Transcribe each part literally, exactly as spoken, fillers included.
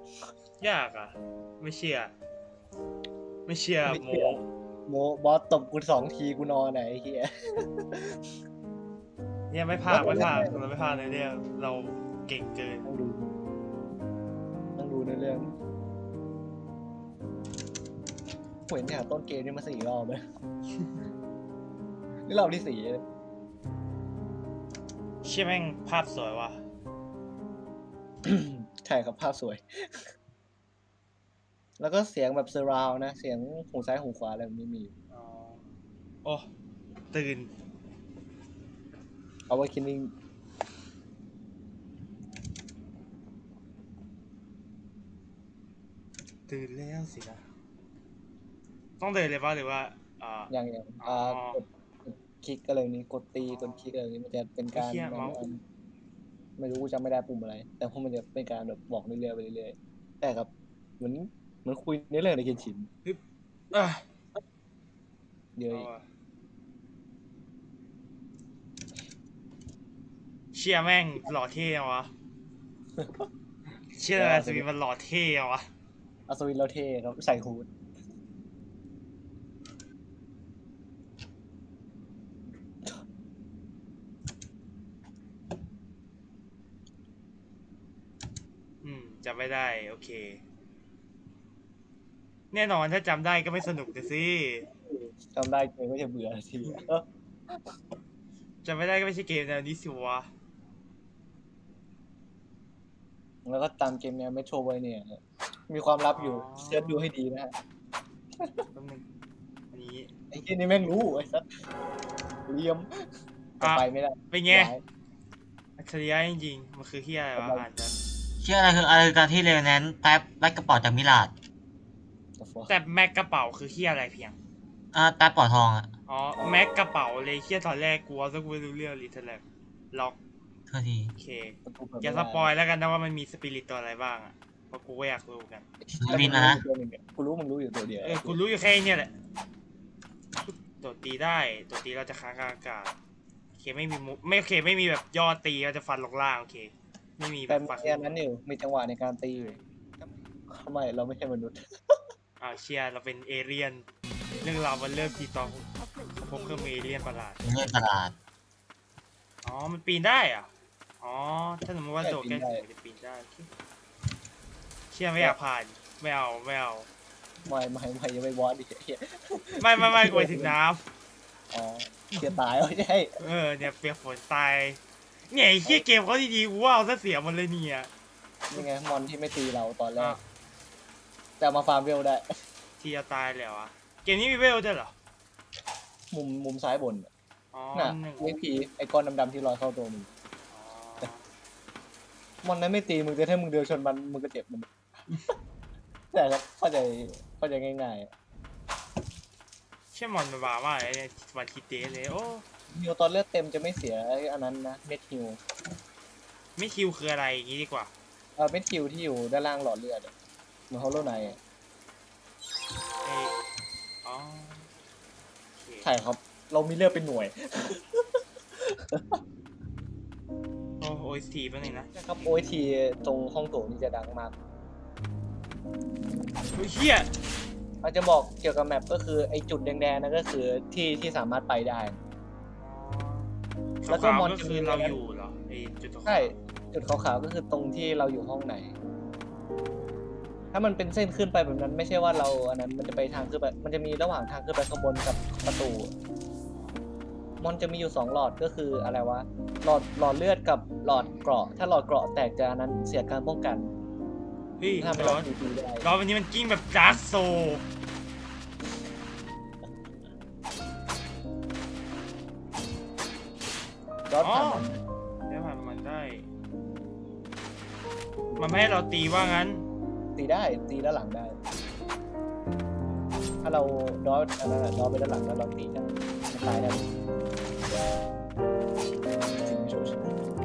ยากอ่ะไม่เชื่อไม่เชื่อโมโมบอสตบกูสองทีกูนอนไหนไอ้เฮียเนี่ยไม่พลาดไม่พลาดเราไม่พลาดในเรื่องเราเก่งเกินต้องดูต้องดูในเรื่องผมเห็นจากต้นเกมนี่มาสี่รอบเลยนี่รอบที่สี่เลยเชื่อแม่งภาพสวยว่ะใช่ครับภาพสวย แล้วก็เสียงแบบเซอร์ราวนะ เสียงหูซ้ายหูขวาอะไรแบบนี้มีอ๋อโอ้ตื่นเอาไว้คิดนิ่งตื่นแล้วสินะต้องเดินเลยป่ะหรือว่าอ่าอย่างอย่างอ๋ออ่ากดกดคลิกอะไรแบบนี้ กดตีกดคลิกอะไรแบบนี้มันจะเป็นการไอ้เหี้ยเมาส์ไม่รู้กูจำไม่ได้ปุ่มอะไร แต่พวกมันจะเป็นการแบบบอกเรื่อยๆไปเรื่อยๆแต่ครับเหมือนเหมือนคุยในเรื่องในเกมชินอ่ะเยอะเอาอีกว่ะเชี่ยแม่งหล่อเท่วะเชื่ออะไรสวีมันหล่อเท่วะอัศวินเราเท่ครับใส่ฮูดอืมจำไม่ได้โอเค แน่นอนถ้าจำได้ก็ไม่สนุกเลยสิจำได้เกมก็จะเบื่อทีเออจำไม่ได้ก็ไม่ใช่เกมแนวนี้สิวะแล้วก็ตามเกมเนี้ยเมโทรไวเนี่ยมีความลับอยู่อ๋อเสิร์ชดูให้ดีนะฮะแป๊บนึงอันนี้ไอ้ที่นี่แม่งรู้ไอ้สัสเลียมจะไปไม่ได้เป็นไงย้ายอัจฉริยะจริงๆมันคือที่อะไรวะอ่านกันเชื่ออะไรคืออะไรคือการที่เรเวนแนนต์แป๊บแป๊บกระเป๋าจากมิลาด The fuck แต่แม็กกระเป๋าคือที่อะไรเพียงอ่าแป๊บปอทองอ่ะอ๋อแม็กกระเป๋าเลยเฮียตอนแรกกลัวซะกูไม่รู้เรื่องลิทเทิลแลบล็อกเท่าทีโอเคประตูเปิดอย่าสไม่ได้ปอยแล้วกันนะว่ามันมีสปิริตตัวอะไรบ้างอ่ะเพราะกูก็อยากรู้กันวินนะฮะตัวหนึ่งอะกูรู้มึงรู้อยู่ตัวเดียวเออกูรู้อยู่แค่นี้แหละตัวตีได้ตัวตีเราจะค้างกลางอากาศโอเคไม่มีมุกไม่โอเคไม่มีแบบย่อตีเราจะฟันลงล่างโอเคไม่มีแบแต่บมีฟันอันนั้นอยู่มีจังหวะในการตีอยู่ทำไมเราไม่ใช่มนุษย์อ้าวเชียเราเป็นเอเลี่ยนเรื่องราวมันเริ่มที่ตอนพบเครื่องมือเอเลี่ยนประหลาดเล่นตลาดอ๋อ มันปีนได้อ่ะ อ๋อ ถ้าสมมติว่าใช่โดดใกล้ปีนได้ถึงมันจะปีนได้โอเคเชี่ยไม่อยากผ่าน ไม่เอา ไม่เอาไม่ไม่ไม่ยังไม่บอสดิเหี้ยไม่ไม่ไม่กูไปถึงน้อ๋อเสียตายไม่ใช่ำเออ เนี่ยเปียกฝนตาย เนี่ยไอ้เชี่ยเกมเขาดีๆกูว่าเอาซะเสียหมันเลยเนี่ยนี่ไงมอนที่ไม่ตีเราตอนแรอ่ะกแต่เอามาฟาร์มเวลได้ที่จะตายแล้วอ่ะ เกมนี้มีเวลด้วยเหรอมุมมุมซ้ายบนน่ะอ๋อน่ะหนึ่งไอ้ผีไอ้ก้อนดำๆที่ลอยเข้าตัวมึงอ๋อมอนนั้นไม่ตีมึงแต่ถ้ามึงเดินชนมันมึงก็เจ็บมัน แต่ครับเข้าใจเข้าใจง่ายๆอะเชี่ยมอนมันบ้ามากเลยเนี่ยวันคิดเตะเลย โอ้ฮิวตอนเลือดเต็มจะไม่เสียอันนั้นนะเม็ดฮิวไม่คิวคืออะไรอย่างงี้ดีกว่าเออเม็ดฮิวที่อยู่ด้านล่างหลอดเลือดอะเหมือนฮอลโลไนท์ไอ้อ๋อโอเคใช่ครับ เรามีเลือดเป็นหน่วยโอ้โอสทีแป๊บนึงนะนะครับโอทีตรงห้องโถงนี่จะดังมากโอ้ยเชี่ยอาจจะบอกเกี่ยวกับแมปก็คือไอ้จุดแดงๆนั่นก็คือที่ที่สามารถไปได้ แล้แล้ววก็ก็มมออน นก็จะคืมีออะไรเรานะอยู่เหรอไอจุดขาวๆใช่จุดขาวๆก็คือตรงที่เราอยู่ห้องไหน ถ้ามันเป็นเส้นขึ้นไปแบบนั้นไม่ใช่ว่าเราอันนั้นมันจะไปทางขึ้นไปมันจะมีระหว่างทางขึ้นไปข้างบนกับประตู มอนจะมีอยู่สองหลอดก็คืออะไรวะหลอดหลอดเลือดกับหลอดเกราะ ถ้าหลอดเกราะแตกจะอันนั้นเสียการป้องกันเฮ้ยถ้าไม่ร้เราอนตีตีได้ร้อนวันนี้มันกิ้งแบบดาร์กโซรอดอ๋อผ่านมันได้ผ่านมันได้ มันไม่ให้เราตีว่างั้นตีได้ตีด้านหลังได้ ถ้าเราดอดอันนั้นอะดอดไปด้านหลังแล้วเราตีได้มันตายได้สิ่งไม่ชั่วช้า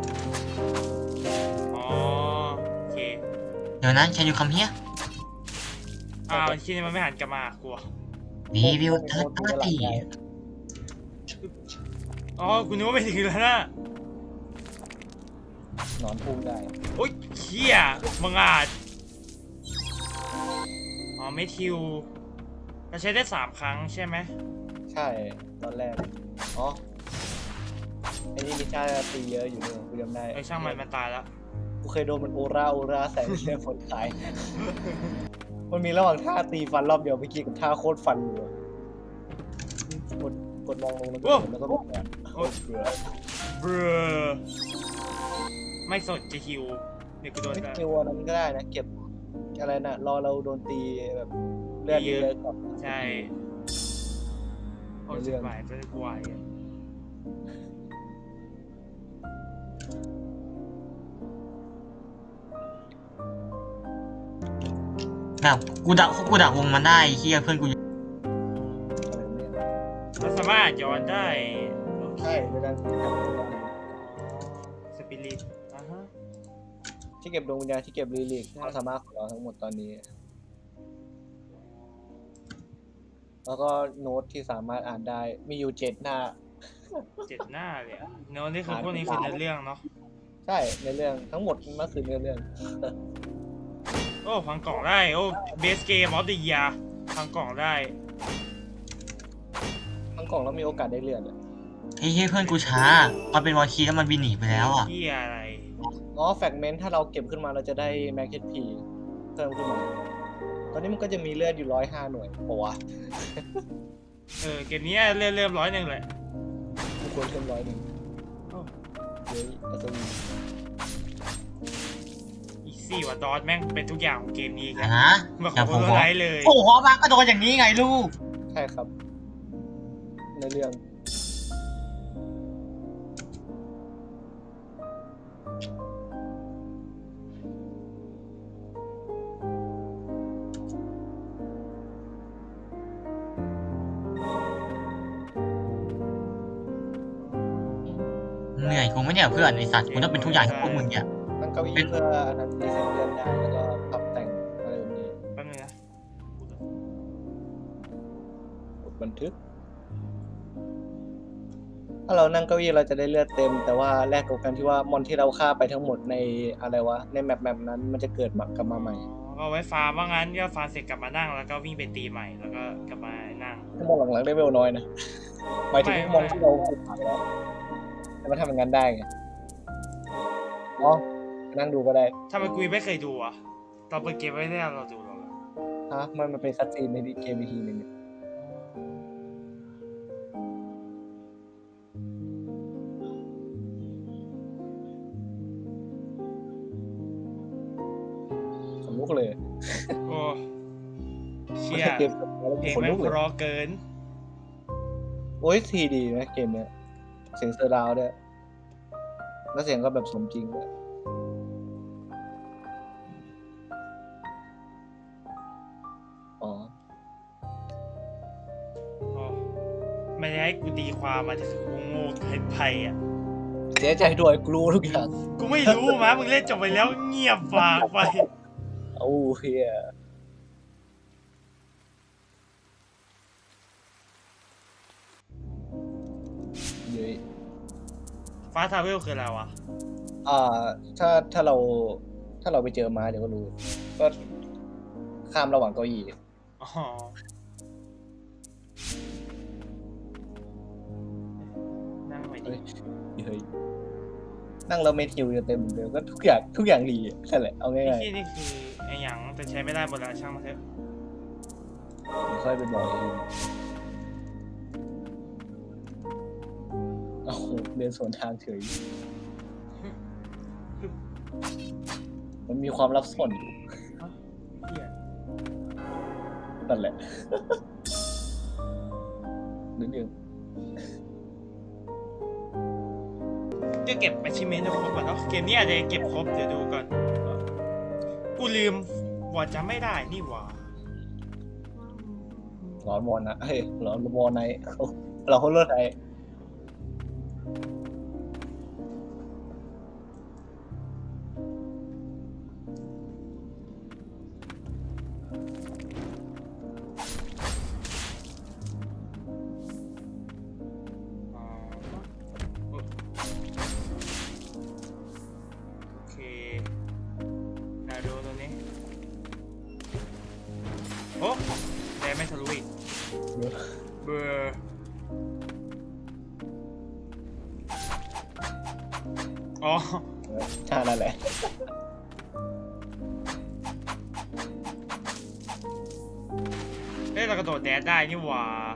อ๋อ โอเคเดี๋ยวนั้น can you come here อ้าวที่นี่มันไม่หันกลับมากลัว we will third ตีด้านหลัง party ได้อ๋อ กูนึกว่าไม่ถึงแล้วนะหนอนพุ่งได้โอ๊ยเขี้ยมึงอาจเมทิวเราใช้ได้สามครั้งใช่ไหมใช่ตอนแรกอ๋อไอ้นี่มิชาตีเยอะอยู่เนี่ยกูจำได้เออช่างมันมันตายแล้วกูเคยโดนมันโอราโอราใส่เรื่องคนขาย มันมีระหว่างท่าตีฟันรอบเดียวเมื่อกี้กับท่าโคตรฟันอยู่อะกดกดมองลงแล้วก็กดแล้วก็แบบเนี่ยโคตรเบื่อเบรอไม่สนจะฮิวเดี๋ยวกูโดนไม่ได้คิวอันนั้นก็ได้นะ เก็บอะไรนะรอเราโดนตีแบบเลือดเยอะกับใช่โอ้ยจะไหวจะไหวอะแบบกูดักกูดักวงมันได้ไอ้เฮียเพื่อนกูอยู่อะไรเนี่ยมันสามารถย้อนได้โอเคใช่ในการที่เก็บสปิริตอ่ะฮะที่เก็บดวงวิญญาณที่เก็บรีลิกความสามารถของเราทั้งหมดตอนนี้ แล้วก็โน้ตที่สามารถอ่านได้มีอยู่เจ็ดหน้าเจ็ดหน้าเลยอะเนื้อนี่คือพวกนี้คือเนื้อเรื่องเนาะใช่ในเรื่องทั้งหมดมันคือเนื้อเรื่องโอ้พังกล่องได้โอ้เบสเกมออฟเดอะเยียร์พังกล่องได้ทั้งกล่องแล้วมีโอกาสได้เลือดอะไอ้เฮียเพื่อนกูช้าพอเป็นวอลคีแล้วมันบินหนีไปแล้วอ่ะที่อะไรอ๋อแฟกเมนต์ถ้าเราเก็บขึ้นมาเราจะได้แม็กเฮดพีเพิ่มขึ้นมา ตอนนี้มันก็จะมีเลือดอยู่ร้อยห้าหน่วยปะวะเออเกมนี้เริ่มเริ่มร้อยหนึ่งเลยกูควรเพิ่มร้อยหนึ่งโอ้เฮ้ยอัศวินอีซี่ว่ะดอทแม่งเป็นทุกอย่างของเกมนี้อีกอ่ะแล้วนะมาขอย่าอผมโทบอษกไลท์เลยโอ้โหมาก็โดนอย่างนี้ไงลูกใช่ครับ ในเรื่องเหนื่อยกูไม่เนี่ยเพื่อนไอสัตว์กูต้องเป็นทุกอย่างให้พวกมึงเนี่ยนั่งเก้าอี้เพื่ออันนั้นรีเซ็ตเลื่อนได้แล้วก็ปรับแต่งอะไรแบบนี้แป๊บนึงนะกดบันทึก ถ้าเรานั่งเก้าอี้เราจะได้เลือดเต็ม แต่ว่าแลกกับการที่ว่ามอนที่เราฆ่าไปทั้งหมดในอะไรวะในแมปแมปนั้นมันจะเกิดมากลับมาใหม่ก็ไว้ฟาร์มว่างั้นก็ฟาร์มเสร็จกลับมานั่งแล้วก็วิ่งไปตีใหม่แล้วก็กลับมานั่งถ้ามองหลังๆได้เวลน้อยนะหมายถึงไม่มองที่เราผ่านแล้วแต่มันทำอย่างนั้นได้ไงอ๋อนั่งดูก็ได้ทำไมกูยังไม่เคยดูอ่ะตอนเปิดเกมไม่ได้เราดูหรอกฮะมันมันเป็นคัตซีนในเกมอีกทีหนึงเนี่ยขนลุกเลยโอ้เชี่ยเกมแล้วเพลงขนแม่ลุงกเลยเพรอเกินโอ้ยทีดีนะเกมเนี้ยเสียงเซอร์ราวด์ด้วยแล้วเสียงก็แบบสมจริงด้วยอ๋อโอ้ไม่ได้ให้กูตีความมาจะคือกูโง่เกินไปอ่ะเสียใจด้วยกลัวทุกอย่างกูไม่รู้มะมึงเล่นจบไปแล้วเงียบปากไปโอ้เฮียเย้ยฟ้าทาวเวลคืออะไรวะอ่า ถ้าถ้าเราถ้าเราไปเจอมาเดี๋ยวก็รู้ ก็ข้ามระหว่างเก้าอี้อ๋อ นั่งไปดิเฮ้ยเฮ้ยนั่งเราไม่ทิวจะเต็มเดียวก็ทุกอย่างทุกอย่างดีอะนั่นแหละเอาไอ้ง่ายที่นี่คือไอ้หยังแต่ใช้ไม่ได้หมดแล้วช่างมันเถอะๆเดี๋ยวค่อยไปบอกเองเอาเดินสวนทางเฉย มันมีความลับซ่อนอยู่เหี้ยนั่นแหละ นิดนึงก็เก็บ achievement ให้ครบก่อนเนาะเกมนี้อาจจะเก็บครบเดี๋ยวดูก่อนเออกูลืมว่าจะไม่ได้นี่หว่าร้อนวอนนะเฮ้ยร้อนวอนไนท์เราเขาเลิศไนท์อ๋อโอเคนาดูตรงนี้ โอ้ทะลุอีกเบอร์อ๋อใช่นั่นแหละเฮ้ยเรากระโดดแดดได้นี่หว่า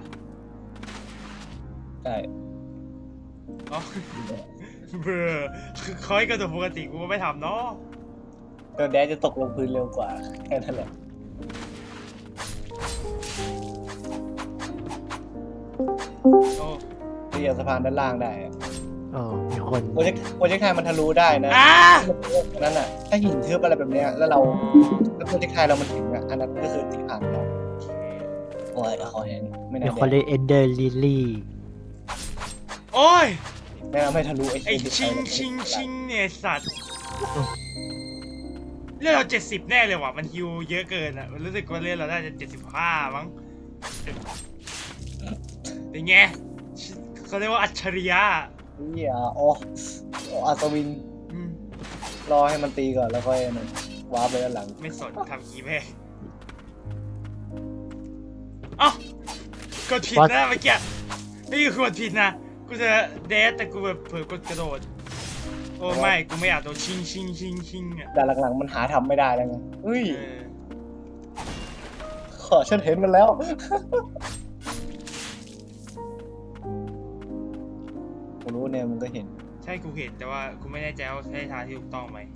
ใช่อ๋อเบอร์คือคอยกระโดดปกติกูก็ไม่ทำเนาะโดนแดดจะตกลงพื้นเร็วกว่าแค่นั้นแหละโอ้ที่ยังสะพานด้านล่างได้อะอ๋อมีคนโปรเจกต์โปรเจกต์ไทยมันทะลุได้นะอ่านั่นน่ะถ้าหินทึบอะไรแบบเนี้ยแล้วเราแล้วโปรเจกต์ไทยเรามันถึงอ่ะอันนั้นก็คือที่ผ่านเราโอ้ยคอแห้งไม่มีน่าคนแดเล่นเอนเดอร์ลิลลี่โอ้ยไม่น่าไม่ทะลุไอ้ไอชิงชิงชิงเนี่ยสัตว์เลือดเราเจ็ดสิบแน่เลยว่ะมันฮิวเยอะเกินอ่ะมันรู้สึกว่าเลือดเราได้จะเจ็ดสิบห้ามั้งเป็นไงเขาเรียกว่าอัจฉริยะนี่อ่ะโอ้โอ้อัศวินอืมรอให้มันตีก่อนแล้วค่อยนั่นว้าร์ปไปด้านหลังไม่สนทำกีแม่เอ้ากดผิดนะเมื่อกี้นี่คือกดผิดนะกูจะเดสแต่กูแบบเผลอกดกระโดดโอ้ไม่กูไม่อยากโดนชิงชิงชิงชิงอ่ะแต่หลังๆมันหาทำไม่ได้แล้วไงเฮ้ยเออขอฉันเห็นมันแล้วกูรู้เนี่ยมันก็เห็นใช่กูเห็นแต่ว่ากูไม่แน่ใจว่าใช่ทางที่ถูกต้องไหม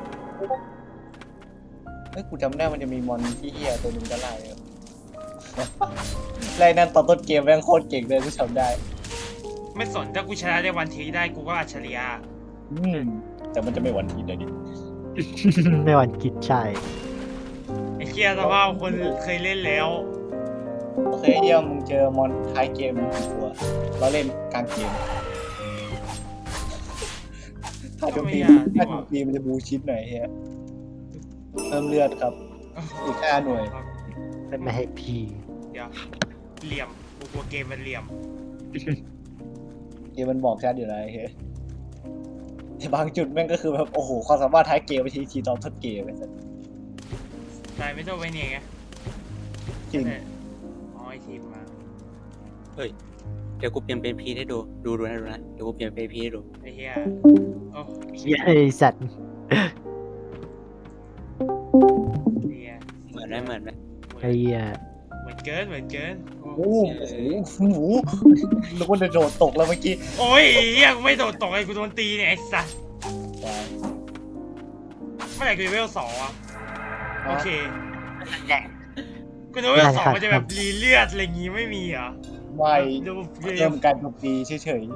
เฮ้ยกูจำได้มันจะมีมอนที่เฮียตัวหนึงก็ไล่อะ ไล่นั่นตอนต้นเกมแม่งโคตรเก่งเลยกูจำได้ไม่สนถ้ากูชนะได้วันทีได้กูก็อัจฉริยะอืมแต่มันจะไม่หวันทีเดียวดิไม่วันกิดใช่ไอ้เคียสภาพคนเคยเล่นแล้วโอเคเยี่ยมมึงเจอมอนท้ายเกมกี่ตัวเราเล่นกลางเกมถ้าโจมตีถ้าโจมตีมันจะบูชิดหน่อยเฮียเพิ่มเลือดครับอีกห้าหน่วยไม่ให้พีเดี๋ยวเหลี่ยมกูกลัวเกมมันเหลี่ยมเกมมันบอกชัดอยู่แล้วเฮ้ยแต่บางจุดแม่งก็คือแบบโอ้โหความสามารถท้ายเกมไปทีทีตอนต้นเกมไปสัสตายไม่ต้องไปเนี่ยไงจริงแต่อ๋อไอทีมมาเฮ้ย เดี๋ยวกูเปลี่ยนเป็นพีให้ดู ดูดูนะดูนะ เดี๋ยวกูเปลี่ยนเป็นพีให้ดูไอ้เฮียโอ้เฮียไอสัตว์เฮียเหมือนไหมเหมือนไหมไอ้เฮียเหมือนเกินเหมือนเกินโอ้โอ้โหหนูนึกว่าจะโดดตกแล้วเมื่อกี้โอ้ยไอ้เฮียกูไม่โดดตกไอ้กูโดนตีเนี่ยไอ้สัสเมื่อไหร่กูจะเวลสองอ่ะโอเคกูนึกว่าเวลสองมันจะแบบรีเลือดอะไรงี้ไม่มีเหรอไม่ดูเกเริ่มมการโจมตีเฉย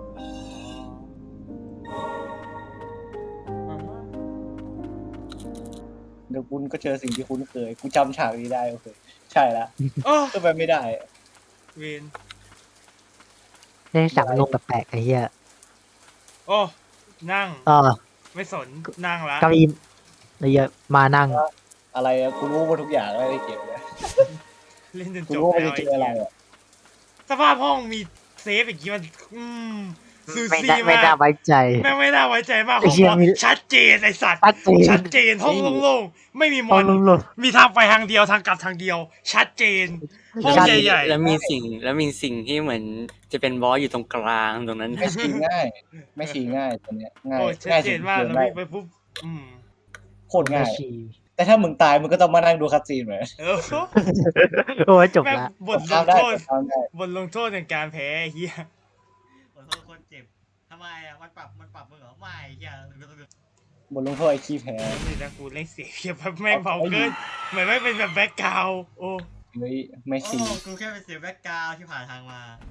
ๆเดี๋ยวคุณก็เจอสิ่งที่คุ้นเคยกูจำฉากนี้ได้โอเคใช่ละโอ้ก็ไปไม่ได้เวนเล่นสั่งลงแปลกๆไอ้เฮียโอ้นั่งต่อไม่สนนั่งละเก้าอี้ไอ้เฮียมานั่งอะไรอะกูรู้หมดทุกอย่างแล้วไอ้เกมเนี่ยเล่นจนกูจบรู้ว่ามันแล้วจะเจออะไรอะสภาพห้องมีเซฟอย่างงี้มันอืมซูไม่ซีได้ไม่มาได้กไว้ใจแม่งไม่น่าไว้ใจมากไอ้ห้องเหี้ยบอสมีชัดเจนไอสัตว์ชัดเจนชัดเจนห้องโล่งๆไม่มีมห้ออง นลุงมีทางไปทางเดียวทางกลับทางเดียว ชัดเจนห้องชัดใหญ่แล้วมีสิ่ง แล้วมีสิ่งที่เหมือนจะเป็นบอสอยู่ตรงกลางตรงนั้นไม่ชีง่าย ไม่ชีง่ายตัวเนี้ยๆง่ายโอ้ชัดง่ายเจสุดนมากเกิแล้วนได้วิ่งไปปุ๊บอืมโคตรง่ายชีแต่ถ้ามึงตายมึงก็ต้องมานั่งดูคัตซีนเหมือนเออโอ้ยจบแม่งละบทลข้ามงได้โทษข้ามได้บทลงโทษในการแพ้ไอ้เฮียขอโทษคนเจ็บทำไมอ่ะมันปรับมันปรับมึงเหรอไม่เฮียบทลงโทษไอ้ขี้แพ้นี่นะกูเล่นเสียงเฮียแบบแม่งเบาเกินเหมือนไม่เป็นแบบแบ็คกราวด์โอ้เฮ้ยไม่โอ้ชีกูแค่เป็นเสียงแบ็กกราวด์ที่ผ่านทางมา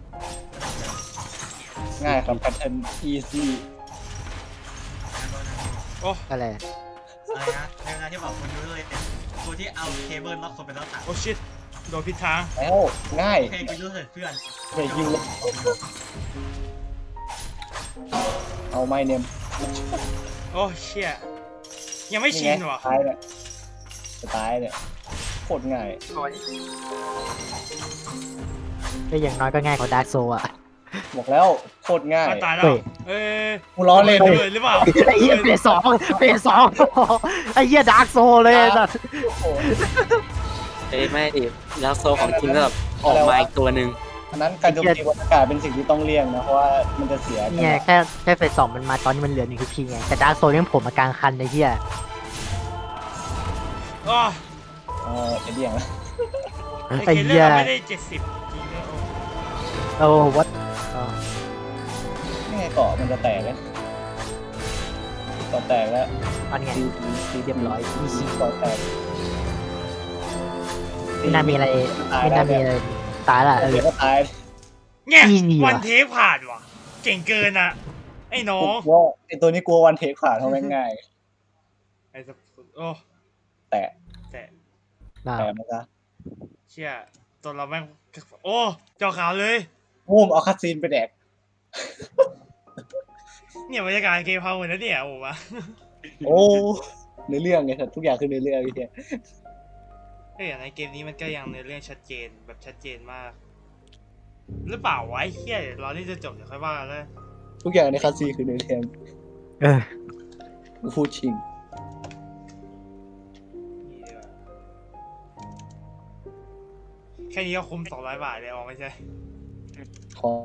ง่ายครับแพทเทิร์นอีซี่โอ้อะไรอะไรนะในเวลาที่แบบคนยูเลยเนี่ยกูที่เอาเคเบิลล็อกคนเป็นล็อกตัดโอ้ชิตโดนผิดทางแล้วง่ายโอเคกูยูเสร็จเพื่อนไม่ยิวเลยเอาไม่เนมโอ้เชี่ยยังไม่ชินว่ะตายเนี่ยจะตายเนี่ยโคตรง่ายก็อย่างน้อยก็ง่ายกว่าดาร์กโซอ่ะบอกแล้วโคตรง่ายมาตายแล้วเฮ้ยเอ้ยกูล้อเล่นระเลยเบิดหรือเปล่าไอ้เหี้ยเปลี่ยนสองเปลี่ยนสองไอ้เหี้ยดาร์กโซเลยไอ้สัสโอ้โหเอ้ยไม่ดิแล้วโซของจริงก็แบบออกมาอีกตัวหนึ่งอันนั้นการโจมตีบนอากาศเป็นสิ่งที่ต้องเลี่ยงนะเพราะว่ามันจะเสียนี่ไงแค่แค่เฟสสองมันมาตอนนี้มันเหลือหนึ่งทีไงแต่ดาร์กโซนยังผมมากลางคันไอ้เหี้ยอ๋อเออไอเดียงละไอ้ไอ้เคเลอเหี้ยร์ไม่ได้เจ็ดสิบจริงด้วยโอ้โอ้วัดนี่ไงเกาะมันจะแตกแล้วเกาะแตกแล้วตอนไงตีตีเรียบร้อยอีซีเกาะแตกไม่น่ามีอะไรตายไม่ได้น่ามีอะไรตายละเออเดี๋ยวก็ตายเนี่ย Easy วันว่ะเทปผ่านว่ะ เก่งเกินอ่ะ ไอ้น้องกลัวไอตัวนี้กลัววันเทคผ่านเพราะแม่งง่ายไอ้สับโอ้แต่แต่น่าแต่มันจะเชี่ยตัวเราแม่งโอ้จอขาวเลยงูมเอาคัตซีนไปแดกเนี่ยบรรยากาศเกมพาวเหมือนนะเนี่ยโอ้มาโอ้ในเรื่องไงครับทุกอย่างคือในเรื่องไอ้เหี้ยเฮ้ยในเกมนี้มันก็ยังในเรื่องชัดเจนแบบชัดเจนมาก หรือเปล่าวะไอ้เฮียเดี๋ยวรอที่จะจบเดี๋ยวค่อยว่ากันเลยทุกอย่างในคัตซีนคือในเรื่องเออกูพูดจริงนี่ดีกว่าแค่นี้ก็คุ้มสองร้อยบาทเลยอ๋อไม่ใช่ขอ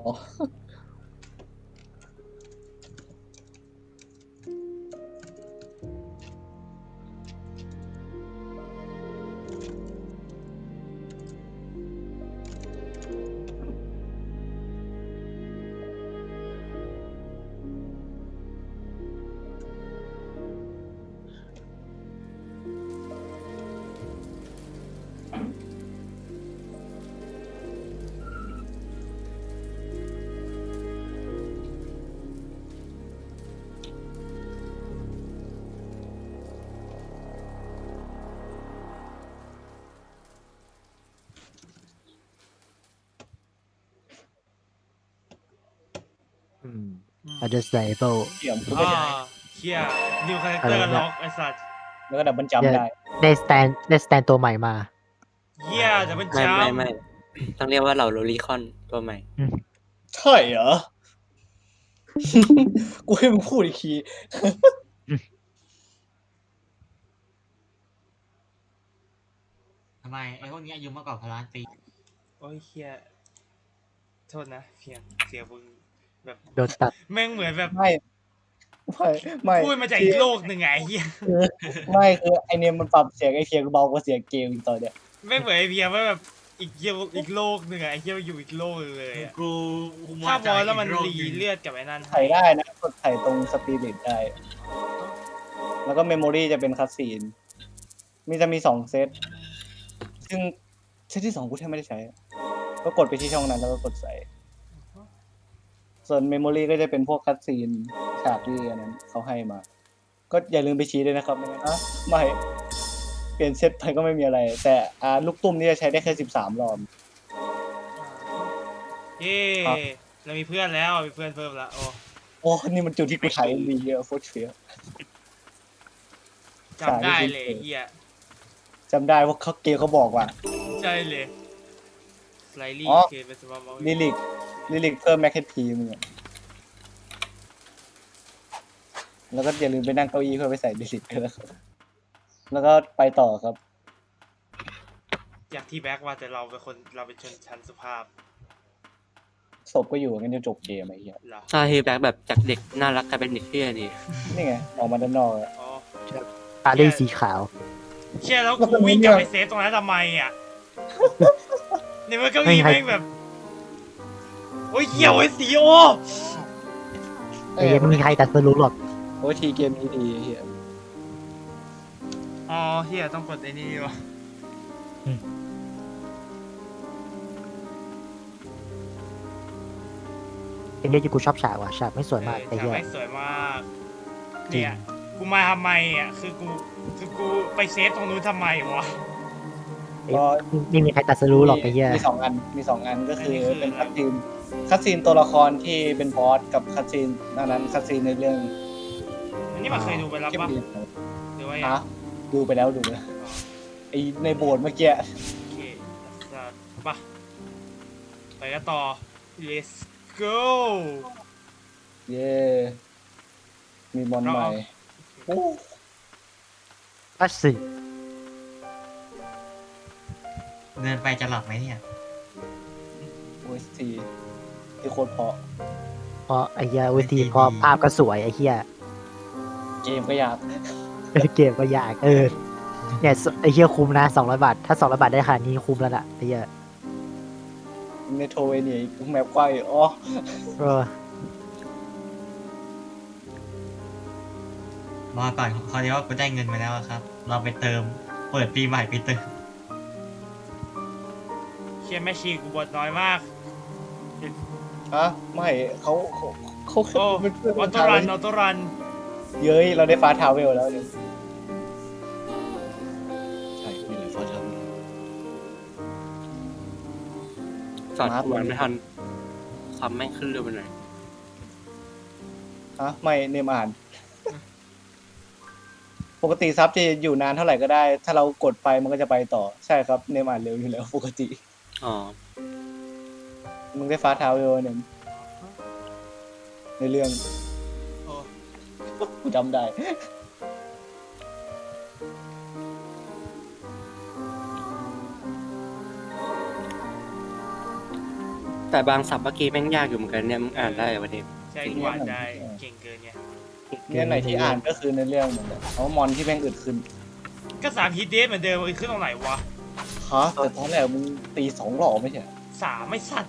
อืม understandable เกี่ยมกูไม่อ่าได้เฮียนิวคาแรคเตอร์ล็อกไอ้สัตว์แล้วก็ดับเบิลจัมป์ได้ได้สแตนได้สแตนตัวใหม่มาเฮียจะเป็นไม่จ้าไม่ไม่ต้องเรียกว่าเหล่าโรลีคอนตัวใหม่ใช่เหรอ กูให้มึงพูดอีกทีทำไมไอ้พวกนี้อายุมากกว่าพลานปีโอ้ยเฮียโทษนะเพียงเสียงมึงแบบโดนตัดแม่งเหมือนแบบไม่ไม่ไม่พูดมาจากอีกโลกหนึ่งไงไอ้เฮียคือไม่คือไอเนี่ยมันปรับเสียงไอเพียงเบากว่าเสียงเกมอีกตอนเนี้ยแม่งเหมือนไอเพียงว่าแบบอีกเฮียอีกโลกหนึ่งอะไอเฮียอยู่อีกโลกหนึ่งเลยอะกูถ้าบอลแล้วมันรีเลือดกับไอ้นั่นถ่ายได้นะกดถ่ายตรงสปิริตได้ แล้วก็เมมโมรีจะเป็นคัสซีน มีจะมีสองเซต ซึ่งเซตที่สองกูแทบไม่ได้ใช้ ก็กดไปที่ช่องนั้นแล้วก็กดใส่ ส่วนเมมโมรีก็จะเป็นพวกคัสซีนฉากที่อันนั้นเขาให้มา ก็อย่าลืมไปชี้ด้วยนะครับไม่งั้นอ่ะไม่ เปลี่ยนเซตไปก็ไม่มีอะไร แต่อ่าลูกตุ้มนี่จะใช้ได้แค่สิบสามรอบเย้เรามีเพื่อนแล้วมีเพื่อนเพิ่มแล้วโอ้โอ้นี่มันจุดที่กูถ่ายมีเยอะโคตรเฟี้ยวจำได้เลยเฮียจำได้ว่าเขาเกมเขาบอกว่าใช่เลยสไลลี่อ๋อเคเป็นสมองลิลิกลิลิกเพิ่มแม็กเฮดพีมึงอะแล้วก็อย่าลืมไปนั่งเก้าอี้เพื่อไปใส่ลิลิกด้วยนะครับแล้วก็ไปต่อครับอยากที่แบ็กว่าแต่เราเป็นคนเราเป็นชนชั้นสุภาพศพก็อยู่งั้นจะจบเกมไอ้เหี้ยเหรอถ้าเฮแบ็กแบบจากเด็กน่ารักกลายเป็นเด็กเที่ยนี่นี่ไง ออกมาด้านนอกอะอ๋อตาลี่สีขาวเชี่ยแล้วกูวิ่งกลับไปเซฟตรงนั้นทำไมอ่ะในเมื่อเก้าอี้ไม่ให้แม่งแบบโอ้ยเหี้ยวไอ้สีโอไอ้เหี้ยังไม่มีใครตัดสรู้หรอกโอ้ยทีเกมนี้ดีไอ้เหี้ยอ๋อเฮียต้องกดไอ้นี่ดีวะเป็นเรื่องที่กูชอบฉากว่ะฉากไม่สวยมากเอไอ้อเหี้ยฉากไม่สวยมากเนี่ยกูมาทำไมอ่ะคือกูคือกูไปเซฟตรงนู้นทำไมวะก็ไม่มีใครตัดสรู้หรอกไอ้เหี้ยมีสองอัน มีสองอันก็คืออันนี้คือเป็นคัตซีนคัตซีนตัวละครที่เป็นบอสกับคัตซีนอันนั้นคัตซีนในเรื่องอันนี้มันเคยดูไปแล้วเก็บปะเรียนหรือว่ายังฮะดูไปแล้วดูไปแล้วอ๋อไอในโบสถ์เมื่อกี้โอเคสัตว์ปะไปกันต่อ let's go เย้มีมอนใหม่โอ้ก็สิเดินไปจะหลับไหมเนี่ยโอ้ยทีที่โคตรเพราะเพราะไอ้เหี้ยเวทีพอภาพก็สวยไอ้เหี้ยเกมก็ยากเกมก็ยากเออเนี่ยไอ้เหี้ยคุ้มนะสองร้อยบาทถ้าสองร้อยบาทได้ขนาดนี้คุ้มแล้วล่ะไอ้เหี้ยเมโทรเวเนียอีกแมปกว้างอีกอ๋อเออมาก่อนคราวนี้ว่ากูได้เงินมาแล้วอะครับ เราไปเติม เปิดปีใหม่ไปเติมเชียแม่ชีกูบทน้อยมากฮะไม่เขาเขาเขาโอ้เป็นเพื่อนออโต้รันออโต้รันเย้ยเราได้ฟาทาวเวลแล้วเนี่ยใช่ไม่เลยฟาทาวเวลสอดมาร์คกูอ่านไม่ทันซ้ำแม่งขึ้นเร็วไปหน่อยฮะไม่เนมอ่าน ปกติซับจะอยู่นานเท่าไหร่ก็ได้ ถ้าเรากดไปมันก็จะไปต่อใช่ครับเนมอ่านเร็วอยู่แล้วปกติอ๋อมึงได้ฟาทาวเวลเนี่ยในเรื่องโอ้กูจำได้แต่บางศัพท์เมื่อกี้แม่งยากอยู่เหมือนกันเนี่ยมึงอ่านได้เหรอวันนี้ใช่กูอ่านได้เก่งเกินไงเนี่ยไหนที่อ่านก็คือในเรื่องเหมือนกันเพราะว่ามอนที่แม่งอึดขึ้นก็สามฮิตเดสเหมือนเดิมอีกขึ้นตรงไหนวะฮะแต่ตอนแรกมึงตีสองหล่อไม่ใช่เหรอสามไม่สัตว์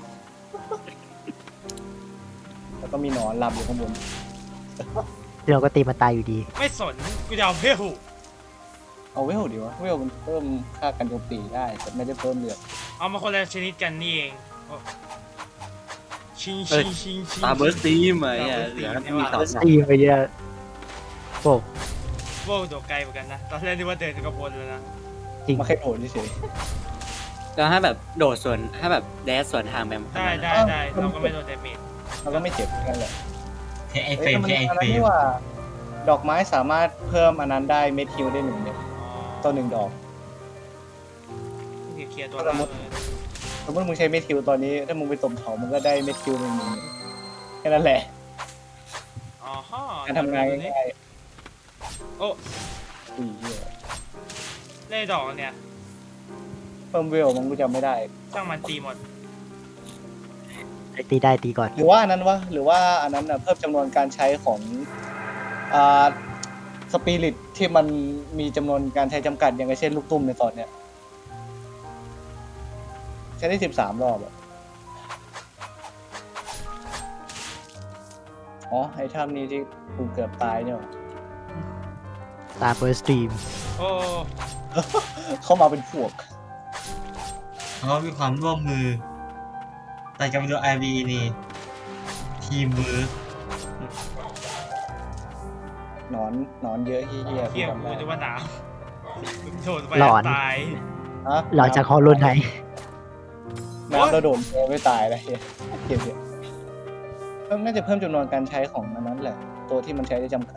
แล้วก็มีหนอนหลับอยู่ข้างบนเดี๋ยวก็ตีมันตายอยู่ดีไม่สนกูจะเอาเพลเอาเวลดีวะเวลมันเพิ่มค่ากันโจมตีได้แต่ไม่ได้เพิ่มเลือดเอามาคนละชนิดกันนี่เองโอ้ชิงชิงชิงชิงตาเบิร์สตีมไอ้เหี้ยเหลือมีสองตีไปเยอะโอ้โว้โดดไกลเหมือนกันนะ ตอนแรกนึกว่าเดินถึงกระบนเลยนะจริงมาแค่โผล่เฉยแล้วถ้าแบบโดดสวนถ้าแบบแดสสวนทางแบบได้ได้ได้เราก็ไม่โดนเดเมจๆเราก็ไม่เจ็บกันแหละใช้ไอเฟเอ้ยรมมันใช้ไออันเฟนั้นรมที่ว่า ดอกไม้สามารถเพิ่มอันนั้นได้เม็ดฮิวได้หนึ่งเม็ดอ๋อต่อหนึ่งดอกเคลียร์ตัวล่างเลยสมมติมึงใช้เม็ดฮิวตอนนี้ถ้ามึงไปตบเขามันก็ได้เม็ดฮิวหนึ่งหนึ่งเม็ดแค่นั้นแหละอ๋อฮะการทำงานง่ายโอ้ๆอุ้ยเหี้ยเล่ดอกเนี่ยเพิ่มเวลมันกูจำไม่ได้ช่างมันตีหมดตีได้ตีก่อนหรือว่าอันนั้นวะหรือว่าอันนั้นน่ะเพิ่มจำนวนการใช้ของอ่าสปิริตที่มันมีจำนวนการใช้จำกัดอย่างเช่นลูกตุ้มในตอนเนี้ยใช้ได้สิบสามรอบอะอ๋อไอ้ถ้ำนี้ที่กูเกือบตายเนี่ยตาเปิดสตรีมโอ้เข้ามาเป็นพวกเขามีความร่วมมือ แต่กับดูไอวีนี่ทีมมือหนอนหนอนเยอะเฮี้ยๆเที่ยงจำกูได้จะว่าหนาวมึงโดดไปหลอนตายฮะหลังจากฮอลลูนไนน้ำระโดดไม่ตายเลยเฮียเฮียเฮียเพิ่มน่าจะเพิ่มจำนวนการใช้ของอันนั้นแหละ ตัวที่มันใช้ได้จำกัด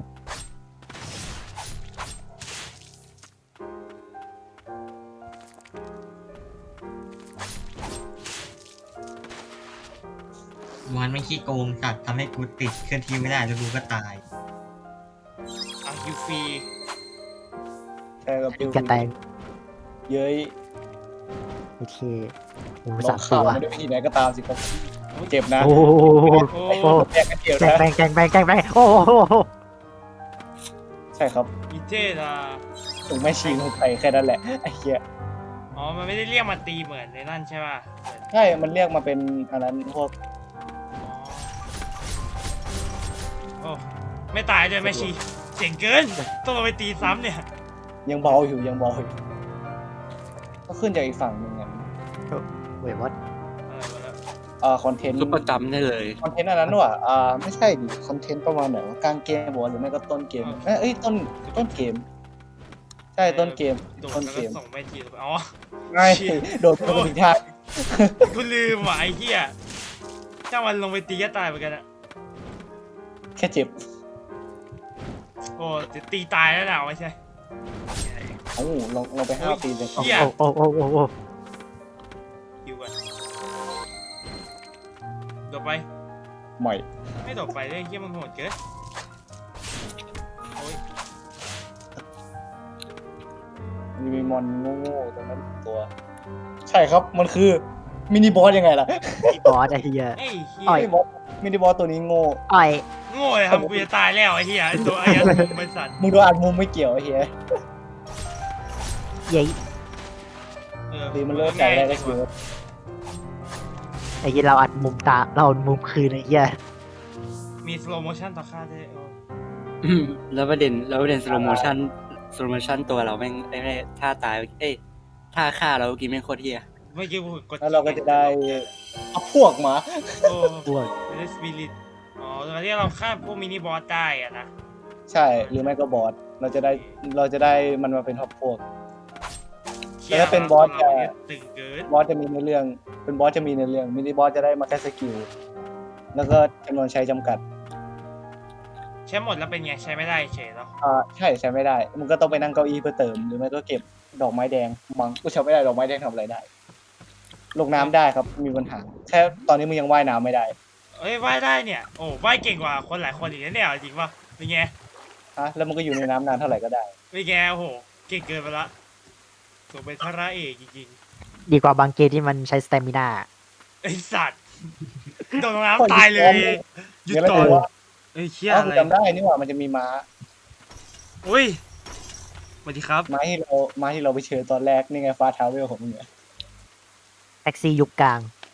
มันไม่ขี้โกงสัตว์ทำให้กูติดเคลื่อนที่ไม่ได้แล้วกูก็ตายอ่ะยูฟรีใช่กับปิวกระแตงเย้ยโอเคหมูลสาองมฆ่าตัวมันด้วยวิธีไหนก็ตามสิครับเจ็บนะโอ้โหโอ้ไอ้พวกแยกกันเดียวแกงนะแบงแกงแบงแกงแบงโอ้โหใช่ครับอีเจนะถึงไม่ชิงไปแค่นั้นแหละไอ้เหี้ยอ๋อ มันไม่ได้เรียกมาตีเหมือนในนั่นใช่ป่ะเหมือนใช่ มันเรียกมาเป็นอันนั้นพวกอ๋อโอ้ไม่ตายด้วยแม่ชีเจ๋งเกิน ต้องเอาไปตีซ้ำเนี่ยยังเบาอยู่ยังเบาอยู่ก็ขึ้นจากอีกฝั่งหนึ่งไงเว้ยวัดอะไรวะเนี่ยอ่าคอนเทนต์ซุปประจำได้เลยคอนเทนต์อันนั้นว่ะอ่าไม่ใช่ดิคอนเทนต์ประมาณไหนวะกลางเกมบอกหรือไม่ก็ต้นเกมเอ้ยเอ้ยต้นต้นเกม ใช่ต้นเกมโดดต้นแล้วเกก็มส่งแม่ชีลงไปอ๋อง่ายเชี่ยโดดไปถึงทางกูลืมว่ะไอ้เหี้ยถ้ามันลงไปตีก็ตายเหมือนกันอะแค่เจ็บโอ้จะตีตายแล้วนะไม่ใช่โอ้ลองลองไปห้าปีเลยเหี้ยโอ้โอ้โอ้โอ้โอ้คิวก่อนโดดไปใหม่ไม่โดดไปเลยเหี้ยมันโหดเกินโอ้ยมันมีมอนโง่ๆตรงนั้นตัว ใช้ช่ครับมันคือมินิบอสยังไงล่ะพี่บอสไอ้เหี้ยไอ้เหี้อ่อยยมินิบอสมินิบอสตัวนี้โง่อ่อยโง่เลยทำกูจะตายแล้วไอ้เหี้ยไอ้ตัวไอ้ยันมุมเป็นสัตว์มึงโดนอัดมุมไม่เกี่ยวไอ้เหี้ยเย้ยเออดีมันเลิกใจได้ก็คือไอ้เหี้ยเราอัดมุมตาเราอัดมุมคืนไอ้เหี้ยมีสโลโมชั่นต่อค่าด้วยเอออืมแล้วประเด็นแล้วประเด็นสโลโมชั่นสโลโมชั่นตัวเราแม่งไม่ได้ท่าตายเอ้ยท่าฆ่าเราเมื่อกี้แม่งโคตรเฮียเมื่อกี้กูกดแล้วเราก็จะได้เอาพวกมาโอ้พวกเดสปิริตอ๋อตอนที่เราฆ่าพวกมินิบอสได้อะนะใช่หรือไม่ก็บอสเราจะได้เราจะได้มันมาเป็นท็อปพวก แต่ถ้าเป็นบอสจะตึงเกินบอสจะมีในเรื่องเป็นบอสจะมีในเรื่องมินิบอสจะได้มาแค่สกิลแล้วก็จำนวนใช้จำกัดใช้หมดแล้วเป็นไงใช้ไม่ได้เฉยเนาะอ่าใช่ใช้ไม่ได้มึงก็ต้องไปนั่งเก้าอี้เพื่อเติมหรือไม่ก็เก็บดอกไม้แดงมังกูใช้ไม่ได้ดอกไม้แดงทำอะไรได้ ลงน้ำได้ครับมีปัญหาแค่ตอนนี้มึงยังว่ายน้ำไม่ได้เอ้ยว่ายได้เนี่ยโอ้ว่ายเก่งกว่าคนหลายคนอีกนะเนี่ยจริงป่ะเป็นไงฮะแล้วมึงก็อยู่ในน้ำนานเท่าไหร่ก็ได้เป็นไงโอ้โหเก่งเกินไปละตัวเป็นพระเอกจริงดีกว่าบางเกมที่มันใช้สเตมินาๆไอสัตว์โดนน้ำตายเลยหยุดเดี๋ยวไม่ก่อนรู้ว่าเอ้ยเชี่ยอ้าวอะกูไรจำได้นี่หว่ามันจะมีม้าอุ้ยสวัสดีครับม้าที่เราม้าที่เราไปเชิญตอนแรกนี่ไงฟ้าทาวเวลของมึงเนี่ยแท็กซี่ยุคกลาง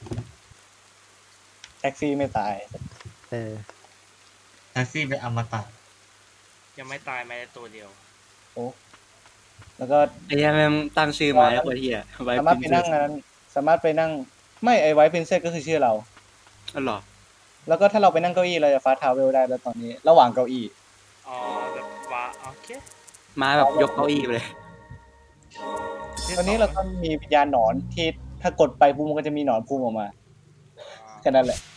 แท็กซี่ไม่ตายเออแท็กซี่เป็นอมตะยังไม่ตายแม้แต่ตัวเดียวแล้วก็ไอ้เหี้ยแม่งตั้งชื่อมาแล้วโคตรเฮียไว้สามารถไปพินั่งมพ์อันนั้นสามารถไปนั่งไม่ไอไวท์เพนเซก็คือชื่อเราอ๋อเหรอแล้วก็ถ้าเราไปนั่งเก้าอี้เราจะฟ้าทาวเวลได้แล้วตอนนี้ ระหว่างเก้าอี้อ๋อแบบว่าโอเคมาแบบยกเก้าอี้ไปเลยตอนนี้เราก็มีวิญญาณหนอนที่ถ้ากดไปปุ๊บมันก็จะมีหนอนพุ่งออกมาแค่นั้นแหละ